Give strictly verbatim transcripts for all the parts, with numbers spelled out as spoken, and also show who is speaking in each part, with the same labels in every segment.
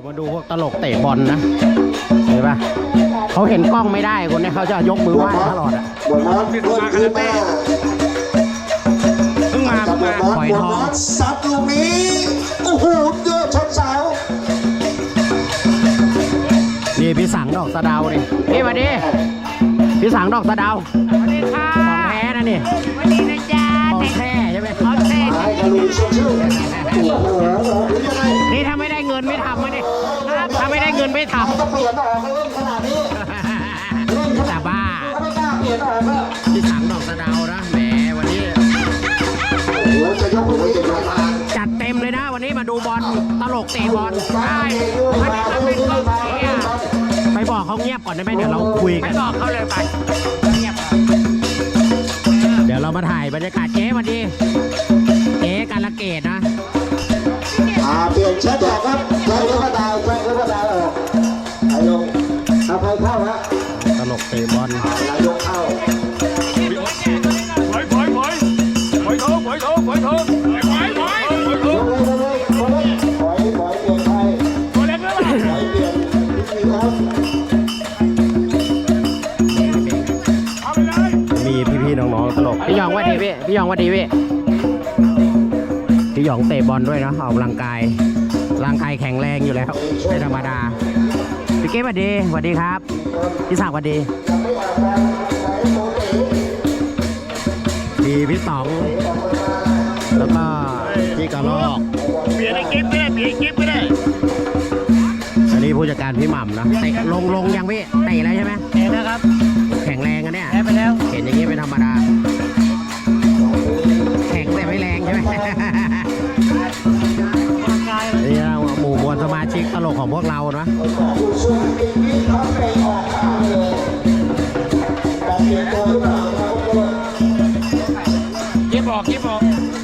Speaker 1: มาดูพวกตลกเตะบอลนะเห็นปะเขาเห็นกล้องไม่ได้คนนี้เขาจะยกมือไหว้ตลอดอ่ะ
Speaker 2: นี่มาคาราเต้เพิ่งมาเพิ่งมา
Speaker 1: ปล่อยทอง
Speaker 3: ซัดลูกนี้โอ้โหเยอะชนเสา
Speaker 1: นี่พี่สังดอกสะเดาดินี่มาดิพี่สังดอกสะเดา
Speaker 2: สวัสดีค่ะ
Speaker 1: ของแท้นะนี่
Speaker 2: สวัสดีนะจ๊ะ
Speaker 1: ของแท้ใช่ไหม
Speaker 2: ของแท้
Speaker 1: นี่ถ้าไม่ได้เงินไม่ทำมาดิถ้าไม่ได้เงินไม่ทำ
Speaker 3: เปลี่ยนออกเล่นขนาดนี้
Speaker 1: แต่บ้าพี่สังดอกสะเดานะแหมวันนี้จัดเต็มเลยนะวันนี้มาดูบอลตลกเตะบอล
Speaker 2: ใช่วันนี้มันเป็นกองเชียร์
Speaker 1: ไปบอกเขาเงียบก่อนได้ไหมเดี๋ยวเราคุยกัน
Speaker 2: บอกเขาเลยไปเงียบ
Speaker 1: เดี๋ยวเรามาถ่ายบรรยากาศเจ๊วันดีเจ๊การละเกดนะ
Speaker 3: อ่าเปลี่ยนเช็ดออกครับแจ้งลูกดาวแจ้งลูกดาวออกไอ้ลงเอาใครเข้าฮะ
Speaker 1: ตลกเตะบอล
Speaker 3: นายกเข้า
Speaker 2: ถอยถอยถอยถอยเถอะถอยเถอะถอยเถอะถอยถอยถอยเถอะ
Speaker 3: ถอยถอยถอยเปลี่ยนใคร
Speaker 2: ถอยเล็กแล้วล่ะ
Speaker 3: ถอยเปลี่ยนพี่ครับ
Speaker 2: เอาไปเลย
Speaker 1: มีพี่ๆน้องๆตลกพี่ยองว่าดีพี่พี่ยองว่าดีพี่พี่หยองเตะบอลด้วยนะออกกำลังกายร่างกายแข็งแรงอยู่แล้วไม่ธรรมดาพี่เก้สวัสดีสวัสดีครับพี่ศักดิ์สวัสดีพี่พี่ต๋องแล้วก็พี่กระลอก
Speaker 2: เปลี่ยนไอ้กิ๊บก็ได้เปลี่ยนไอ้กิ๊บก็ได้
Speaker 1: อันนี้ผู้จัดการพี่หม่ำนะเตะลงลงยังพี่เตะแล้วใช่ไหม
Speaker 2: เตะแล้วครับ
Speaker 1: แข็งแรงกันเนี่ย
Speaker 2: แพ้ไปแล้ว
Speaker 1: เห็นอย่างนี้เป็นธรรมดาแข็งแต่ไม่แรงใช่ไหมนี่เราหมู่มวลสมาชิกตลกของพวกเรานะ
Speaker 2: เก็บออกเก็บออก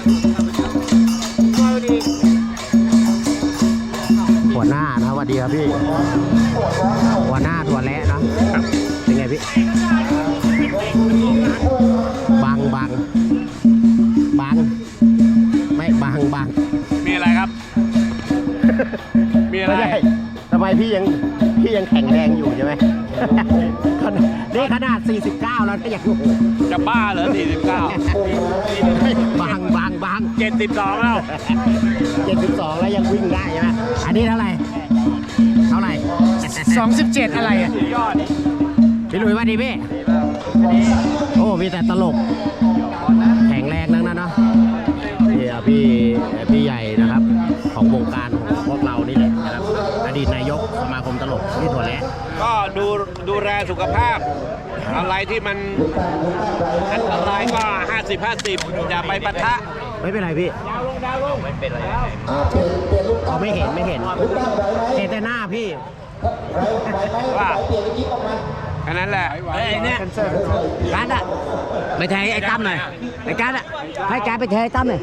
Speaker 1: หัวหน้านะสวัสดีครับพี่หัวหน้าถั่วแระนะเป็นไงพี่บังบังบังไม่บังบัง
Speaker 2: มีอะไรครับมีอะไร
Speaker 1: ทำไมพี่ยังพี่ยังแข็งแรงอยู่ใช่ไหมนี่ขนาดสี่สิบเก้าแล้วก็ยัง
Speaker 2: จะบ้าเหรอสี่สิบเก้า
Speaker 1: บังบังบัง
Speaker 2: เจ็ดสิบสองแล้ว
Speaker 1: เจ็ดสิบสองแล้วยังวิ่งได้ใช่ไหมอันนี้เท่าไหร่เท่าไหร่
Speaker 2: สองสิบเจ็ดอะไรอ่ะยอด
Speaker 1: พี่หลุยว่าดีพี่โอ้มีแต่ตลกแข็งแรงนั่งนั้นเนาะนี่พี่พี่ใหญ่นะครับของวงการของพวกเรานี่แหละนะครับอดีตนายกสมาคมตลกที่ถั่วแระ
Speaker 2: ก็ดูดูแลสุขภาพอะไรที่มันอันตรายก็ห้าสิบห้าสิบอย่าไปปะทะ
Speaker 1: ไม่เป็นไรพี่
Speaker 2: ดาวลงดาวลงไม่เป็นไร
Speaker 1: เขาไม่เห็นไม่เห็นเห็นแต่หน้าพี่
Speaker 2: ว่าแค่นั้นแหละ
Speaker 4: ไอ้เนี่ยการ์ดอะไปแทงไอ้ตั้มหน่อยไอ้การ์ดอะให้การ์ดไปแทงไอ้ตั้มหน่อย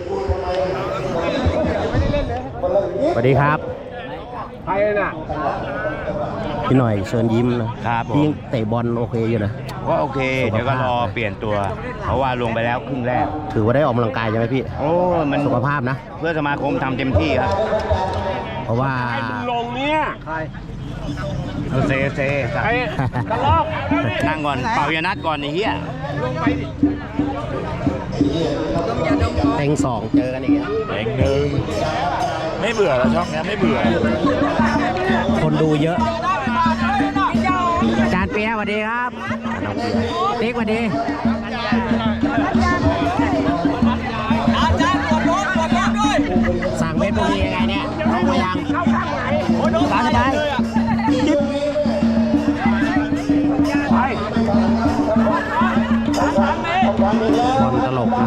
Speaker 1: สวัสดีครับ
Speaker 2: ใครน่ะ
Speaker 1: พี่หน่อยเชิญยิ้มนะครับพี่เตะบอลโอเคอยู่นะ
Speaker 5: ก็โอเคเดี๋ยวก็รอเปลี่ยนตัวเพราะว่าลงไปแล้วครึ่งแรก
Speaker 1: ถือว่าได้ออกกำลังกายใช่ไหมพี่
Speaker 5: โอ้มัน
Speaker 1: สุขภาพนะ
Speaker 5: เพื่อสมาคมทำเต็มที่ครับ
Speaker 1: เพราะว่า
Speaker 2: ลงเนี่ยใคร
Speaker 5: เซเซ
Speaker 2: ไอ้กระลอก
Speaker 5: นั่งก่อนเป่ายานัดก่อนไอ้เหี้ย
Speaker 2: ลงไปดิ
Speaker 1: เต็งสองเจอกันอีกแล้ว
Speaker 5: เต็งหนึ่งไม่เบื่อแล้วช่องนี้ไม่เบื่อ
Speaker 1: คนดูเยอะจานเปียสวัสดีครับติ๊กสวัสดีสั่งเม็ดพวกนี้ยังไงเนี่ยลงมายังร้านได้จิ๊บบอลตลกนะ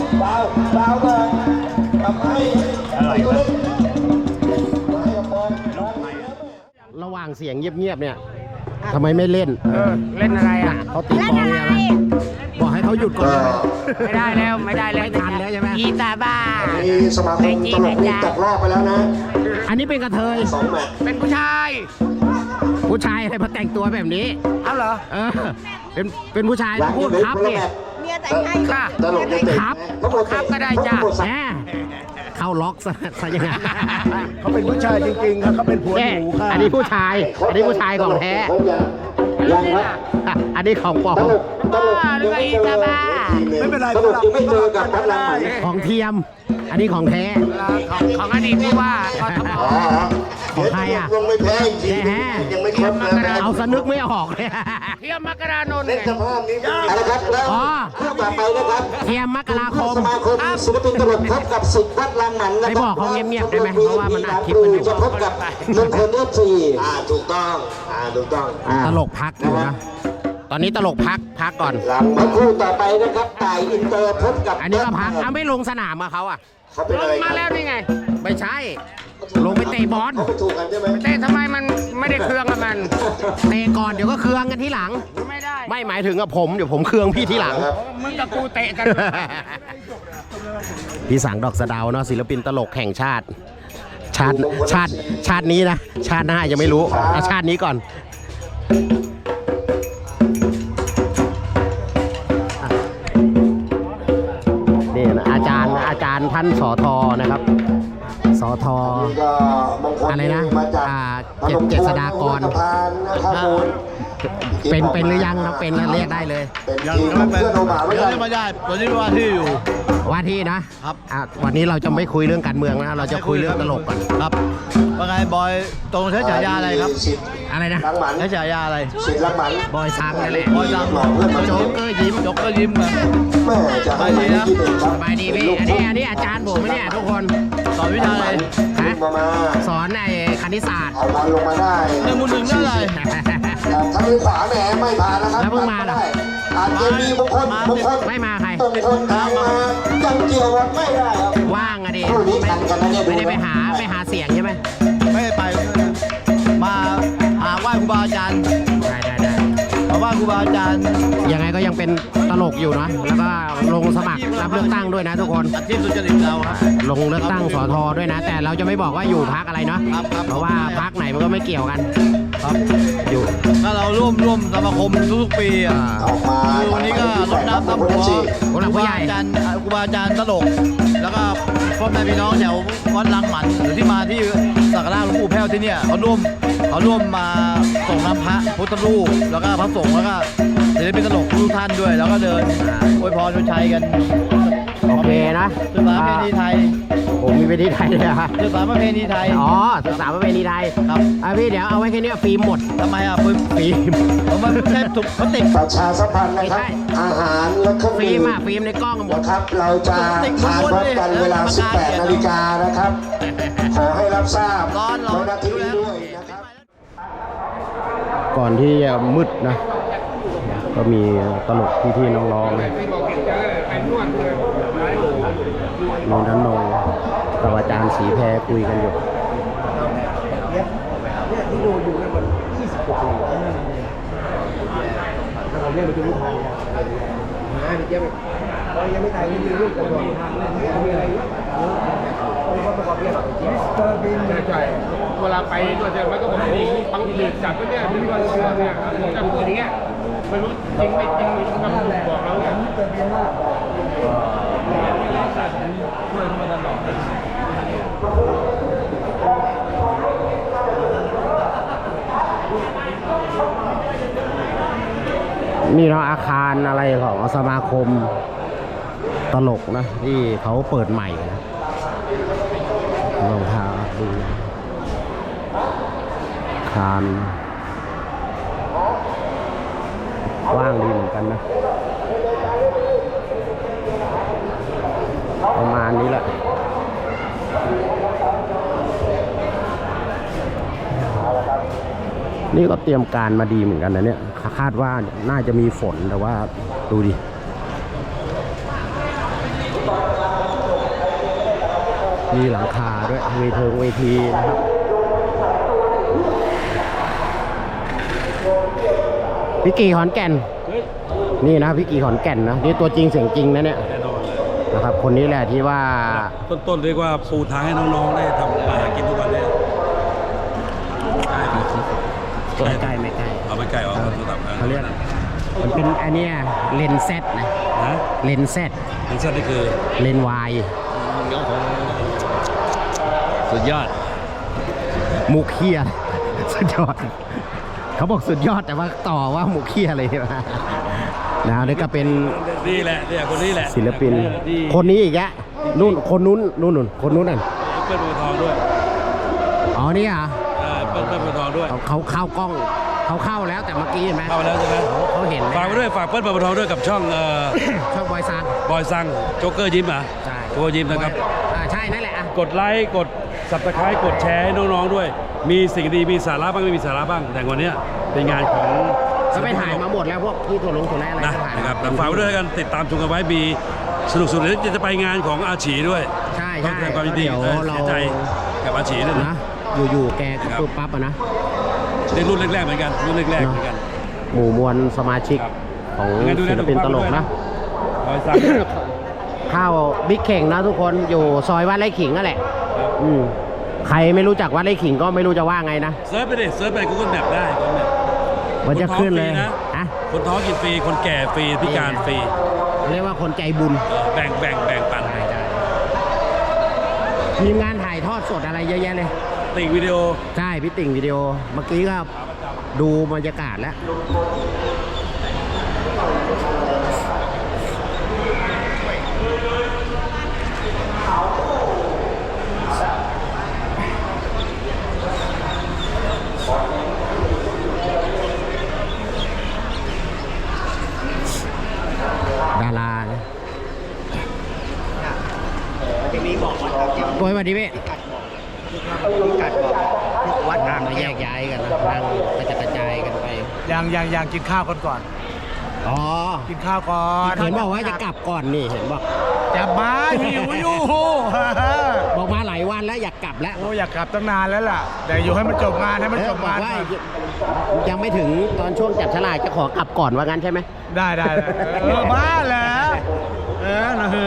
Speaker 1: ระหว่างเสียงเงียบๆเนี่ยทำไมไม่เล่น
Speaker 2: เออเล่นอะไรอ่ะ
Speaker 1: เขาตีกลองเนี่ยนะบอกให้เขาหยุดก่อน
Speaker 2: ไม่ได้แล้วไม่ได้แล้ว
Speaker 1: ไม่ทันแล้วใช่ไหม
Speaker 2: กีตาบ้า
Speaker 3: มีสมาคมตลกที่ตกรอบไปแล้วนะ
Speaker 1: อันนี้เป็นกระเทย
Speaker 2: เป็นผู้ชาย
Speaker 1: ผู้ชายอะไรมาแต่งตัวแบบนี้
Speaker 2: เอาเหรอ
Speaker 1: เออเป็นเป็นผู้ชายพูดครับเนี่ย
Speaker 6: เมียแต่งให้
Speaker 2: ค่ะ
Speaker 1: ครับ
Speaker 2: ครับก็ได้จ้ะ
Speaker 1: แหมเขาล็อกซะซะยังไง
Speaker 6: เขาเป็นผู้ชายจริงๆครับเขาเป็นผัว
Speaker 1: แน่
Speaker 6: หนูค่ะ
Speaker 1: อันนี้ผู้ชาย อันนี้ผู้ชายของแท้
Speaker 3: ยังครับ
Speaker 1: อ่ะอันนี้ของปลอ
Speaker 3: ต
Speaker 1: ม
Speaker 3: ลกตลกยังไม่เจอ
Speaker 6: ไม่เป็นไร
Speaker 3: ตลกยังไม่เจอกับพัดลำมัน
Speaker 1: ของเทียม อันนี้ของแท้
Speaker 4: ของอดีตผู้ว่ากทม
Speaker 3: อ๋อ
Speaker 1: ของใครอ่ะ
Speaker 3: ลงไม่แพ้จริง
Speaker 1: แท้
Speaker 3: ยังไม่ครบนะ
Speaker 1: เอาสนึกไม่ออกเลย
Speaker 4: เทียมมกรานนท์
Speaker 3: เล่นสภาพนี้เอาละครับแล้ว
Speaker 1: อ๋อ
Speaker 3: คู่ต่อไปนะครับ
Speaker 1: เทียมมกราคม
Speaker 3: สมาคมศิลปินตลกพบกับสิทธิ์พัดลำมันนะ
Speaker 1: ไม่
Speaker 3: ครับ
Speaker 1: บอกเขาเงียบๆได้ไหมเพราะว่ามันอัดคลิปกันอยู่
Speaker 3: จะพบกับมงคลเอฟซีอ่าถูกต้องอ่าถูกต้องอ่า
Speaker 1: ตลกพักอยู่นะ ตอนนี้ตลกพักพักก่อน
Speaker 3: หลังมาคู่ต่อไปนะครับต่ายอินเตอร์พบกับ
Speaker 1: อันนี้ก็พักเอาไม่ลงสนามกับเขาอ่ะ
Speaker 3: เขาเป็นอะไร
Speaker 4: มาแล้วนี่ไง
Speaker 1: ไม่ใช่ ลงไปเตะบอล
Speaker 3: เขาไปถูกกันใช่ไหม
Speaker 4: แต่ทำไมมันไม่ได้เครื่องกับมัน
Speaker 1: เตะก่อนเดี๋ยวก็เคืองกันที่หลัง
Speaker 4: ไม่ได้
Speaker 1: ไม่หมายถึงกับผมเดี๋ยวผมเคืองพี่ที่หลัง
Speaker 3: ครับ
Speaker 4: มึงกับกูเตะกัน
Speaker 1: พี่สังดอกสะเดาวเนาะศิลปินตลกแห่งชาติ ชาติชาติชาตินี้นะ ชาติหน้ายังไม่รู้เอาชาตินี้ก่อนนี่นะอาจารย์อาจารย์ท่านสอทอนะครับสอทอ
Speaker 3: นี่ก็มงคล
Speaker 1: อะไรนะ
Speaker 3: มาจาก
Speaker 1: อ่าเจ็ดเจษฎากร
Speaker 3: พนมทวนนะครับผม
Speaker 1: เป็นเป็นหรือยังนะเป็นแล้วเรียกได้เลย
Speaker 3: เป็นทีมของเพื่อนโอมาไม่
Speaker 6: ยัง
Speaker 3: ได้
Speaker 6: ไม่ได้ตอนนี้ว่าที่อยู่
Speaker 1: ว่าที่นะครับ อ่ะวันนี้เราจะไม่คุยเรื่องการเมืองนะเราจะคุยเรื่องตลกก่อน
Speaker 6: ครับว่าไงบอยตรงใช้ฉายาอะไรครับ
Speaker 3: สิทธิ์
Speaker 1: อะไรนะ
Speaker 3: รังหมัน
Speaker 6: ใช้ฉายาอะไร
Speaker 3: สิทธิ์รังหมัน
Speaker 1: บอยซังนั่นแหละ
Speaker 6: บอยซัง
Speaker 3: หลอกเพื่อนมา
Speaker 1: โจ๊กเกอร์ยิ้ม
Speaker 6: ยกก็ยิ้มกัน
Speaker 3: แม่จะให้ไม่คิดเองครับ
Speaker 1: สบายดีพี่อันนี้อันนี้อาจารย์ผมไหมเนี่ยทุกคน
Speaker 6: สอนวิชาอะไร
Speaker 1: ฮะ
Speaker 3: มามา
Speaker 1: สอนไอ้คณิตศาสตร์
Speaker 3: เอาบอลลงมาได้
Speaker 6: หนึ่งมูลหนึ่งได้อะไร
Speaker 3: ทางมือขวาแหมไม่ผ่านนะครับ
Speaker 1: แล้วเพิ่งมาเหรอ
Speaker 3: อาจจะมีมงคลมงคล
Speaker 1: ไม่มาใคร
Speaker 3: ตรงคนทางมายังเกี่ยวกันไม่ได้ครับ
Speaker 1: ว่างอะดิ
Speaker 3: คู่นี้ทันกันนะเนี่ย
Speaker 1: ไม่ได้ไปหาไปหาเสียงใช่ไหม
Speaker 6: ไม่ได้ไปมาหาไหว้ครูบาอาจารย์
Speaker 1: ได้ได้ได้
Speaker 6: มาไหว้ครูบาอาจารย์
Speaker 1: ยังไงก็ยังเป็นตลกอยู่นะแล้วก็ลงสมัครรับเลือกตั้งด้วยนะทุกคน
Speaker 6: อาชีพสุจริตเราครับ
Speaker 1: ลงเลือกตั้งสอทอด้วยนะ แต่เราจะไม่บอกว่าอยู่พักอะไรเนาะ
Speaker 6: ครับครับ
Speaker 1: เพราะว่าพักไหนมันก็ไม่เกี่ยวกัน
Speaker 6: ครับ
Speaker 1: อยู่
Speaker 6: ถ้าเราร่วมร่วมสมาคมทุกๆปีอ่ะ
Speaker 3: ออกมา
Speaker 6: คือวันนี้ก็รดน้ำดำหัว
Speaker 1: ผู้หลักผู้ใหญ่
Speaker 6: ครูบาอาจารย์ครูบาอาจารย์ตลก แล้วก็พ่อแม่พี่น้องแถววัดลังหมันหรือที่มาที่สักการะหลวงปู่แพ้วที่เนี่ยเขาร่วมเขาร่วมมาส่งน้ำพระพุทธรูปแล้วก็พระสงฆ์แล้วก็ศิลปินตลกทุกท่านด้วย แล้วก็เดินอวยพรชนชัยกัน
Speaker 1: โอเคนะ
Speaker 6: ศึกษาประเพณีไทย
Speaker 1: ผมมีเวทีไทยเลยอะ
Speaker 6: ศึกษาประเพณีไทย
Speaker 1: อ๋อศึกษาประเพณีไทย
Speaker 6: ครับ
Speaker 1: อ่ะพี่เดี๋ยวเอาไว้แค่นี้ฟิล์มหมด
Speaker 6: ทำไมอ่ะฟิล์ม
Speaker 1: ฟิล์ม
Speaker 6: ผมว่าไม่ใช่ถูกพลาสติก
Speaker 3: ประชาสัมพันธ์นะครับ
Speaker 1: ไม่ใช่
Speaker 3: อาหารและเครื่อง
Speaker 1: ฟิ
Speaker 3: ดื่
Speaker 1: ล์ม
Speaker 3: ม
Speaker 1: อะฟิล์มในกล้องหมด
Speaker 3: นะครับ เราจะทานพร้อมกันเวลา สิบแปด นาฬิกานะครับ ขอให้รับทราบ
Speaker 6: ร้อนร้อน
Speaker 3: ในนาทีนี้ด้วยนะครับ
Speaker 1: ก่อนที่จะมืดนะ ก็มีตลกพี่ๆน้องๆมีนันนงกับอาจารย์สีแพรคุยกันอยู่
Speaker 7: เวลาไปตัวเจอมันก็บอกว่าบางทีจับก็เนี่ยที่ว่าเชื่อเนี่ยผมจะพูดอย่างเงี้ยไม่รู้จริงไม่จริงคำบอกเราเนี่ยช่วยมาตลอด
Speaker 1: นี่เราอาคารอะไรของสมาคมตลกนะที่เขาเปิดใหม่นะลองพาดูอาคารว่างดีเหมือนกันนะประมาณนี้แหละนี่ก็เตรียมการมาดีเหมือนกันนะเนี่ยคาดว่าน่าจะมีฝนแต่ว่าดูดิมีหลังคาด้วยเวทีเวทีนะครับพี่กีขอนแก่นนี่นะพี่กีขอนแก่นนะนี่ตัวจริงเสียงจริงนะเนี่ยนะครับคนนี้แหละที่ว่า
Speaker 7: ต้นๆเรียกว่าปูทางให้น้องๆได้ทำมาหากินทุกวันเลย
Speaker 1: ไม่ใกล้ไม่ใกล้
Speaker 7: เอาไปไก่เอาโทรศัพท์
Speaker 1: เขาเรียกมันเป็นอันเนี้ยเลนส์เซตนะ
Speaker 7: ฮะ
Speaker 1: เลนส์เซต
Speaker 7: เป็นเส้นนี่คือ
Speaker 1: เลนส์วาย
Speaker 2: สุดยอด
Speaker 1: มุกเคียสุดยอดเขาบอกสุดยอดแต่ว่าต่อว่ามุกเคียอะไรใช่ไหมนะนี่ก็เป็น
Speaker 2: นี่แหละเนี่ยคนนี้แหละ
Speaker 1: ศิลปิน คนนี้อีกแยะนู่นคนนู้นนู่นนู่นคนนู้นนั่น
Speaker 2: เปิ้ลบัวทองด้วย
Speaker 1: อ๋อนี่อ่ะ
Speaker 2: เออเปิ้ลเปิ้ลบัวทองด้วย
Speaker 1: เขาเขาเข้ากล้องเขาเข้าแล้วแต่เมื่อกี้เห็นไหม
Speaker 2: เข้าแล้วใช่ไหม
Speaker 1: เขาเห็น
Speaker 2: ฝากไปด้วยฝากเปิ้ลบัวทองด้วยกับช่องเอ่อ
Speaker 1: ช่องบอยซัง
Speaker 2: บอยซังโจ๊กเกอร์ยิ้มอ่ะ
Speaker 1: ใช่
Speaker 2: โจ๊กเกอร์ยิ้มนะครับ
Speaker 1: อ่าใช่นั่นแหละอ่ะ
Speaker 2: กดไลค์กดสับตะไคร้กดแชร์ให้น้องๆด้วย มีสิ่งดีมีสาระบ้างไม่มีสาระบ้าง แต่วันเนี้ยเป็นงานของ
Speaker 1: ก็ไปถ่ายมาหมดแล้วพวกที่ถั่วลงถั่วแร่อะไร
Speaker 2: นะ
Speaker 1: ก็ถ่าย
Speaker 2: นะครับแต่ฝากไว้ด้วยกันติดตามชมกันไว้มีสนุกสุดเลยจะไปงานของอาชีด้วย
Speaker 1: ใช่
Speaker 2: ต้อ
Speaker 1: ใช่
Speaker 2: งแสดงความยินดี
Speaker 1: เดี๋ยว
Speaker 2: เออ
Speaker 1: เรา
Speaker 2: เสียใจกับอาชีด้วยนะ
Speaker 1: นะอยู่ๆแกก็ปุ๊บปั๊บอะนะ
Speaker 2: เป็นรุ่นแรกๆเหมือนกันรุ่นแรกๆเหมือนกัน
Speaker 1: หมู่มวลสมาชิก
Speaker 2: ครับ
Speaker 1: ของ
Speaker 2: งั้นดูแล
Speaker 1: ศิลปินตลก
Speaker 2: สุขภาพด้วย
Speaker 1: นะ
Speaker 2: นะ บอยซัง
Speaker 1: ข้าวบิ๊กเข่งนะทุกคนอยู่ซอยวัดไร่ขิงนั่นแหละอืมใครไม่รู้จักวัดไร่ขิงก็ไม่รู้จะว่าไงนะ
Speaker 2: เซิร์ชไปดิเซิร์ชไป Google Map ได้ Google Map
Speaker 1: มันจะขึ้นเลย
Speaker 2: คนท้องฟรีนะ
Speaker 1: อะ
Speaker 2: คนท้องกินฟรี คนแก่ฟรี พิการฟรี
Speaker 1: เรียกว่าคนใจบุญ
Speaker 2: เออแบ่งแบ่งแบ่งปัน
Speaker 1: ทีมงานถ่ายทอดสดอะไรเยอะแยะเลย
Speaker 2: ติ่งวิดีโอ
Speaker 1: ใช่พี่ติ่งวิดีโอเมื่อกี้ก็ดูบรรยากาศแล้วดาราเนี่ยโอ้ยสวัสดีพี่
Speaker 4: กัดบอกวัดอ่าง
Speaker 1: มาแยกย้ายกันนะนั่งกระจัดกระจายกันไป
Speaker 6: ยังยังยังกินข้าวก่อนก่อน
Speaker 1: อ๋อ
Speaker 6: กินข้าวก่อน
Speaker 1: เห็นบอกว่าจะกลับก่อนนี่เห็นบอก
Speaker 6: จะมาหิวอยู่
Speaker 1: บอกมาหลายวันแล้วอยากกลับแล้ว
Speaker 6: โอ้อยากกลับตั้งนานแล้วล่ะ แต่อยู่ให้มันจบงานให้มัน
Speaker 1: เอ
Speaker 6: จ
Speaker 1: อบ บอก
Speaker 6: งาน
Speaker 1: ว่า
Speaker 6: ก่อน
Speaker 1: ยังไม่ถึงตอนช่วงจับฉลากจะขอกลับก่อนว่างั้นใช่ไหม
Speaker 6: ได้ได้ได้เออบ้าแล้วเออนะคือ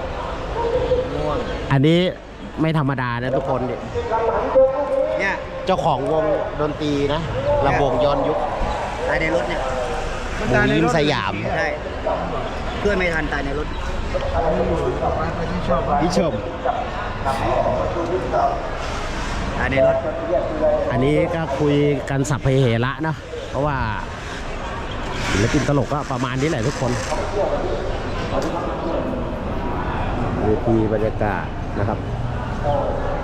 Speaker 1: อันนี้ไม่ธรรมดานะทุกคนดิ
Speaker 4: เนี่ย
Speaker 1: เจ้าของวงดนตรีนะระวงย้อนยุค
Speaker 4: ตายในรถเนี่ยว
Speaker 1: งยิ้มสยาม
Speaker 4: ใช่เพื่อนไม่ทันตายในรถ
Speaker 1: พี่ชม
Speaker 4: ตายในรถ
Speaker 1: อันนี้ก็คุยกันสัพเพเหระนะเพราะว่าศิลปินตลกก็ประมาณนี้แหละทุกคนเวทีบรรยากาศนะครับ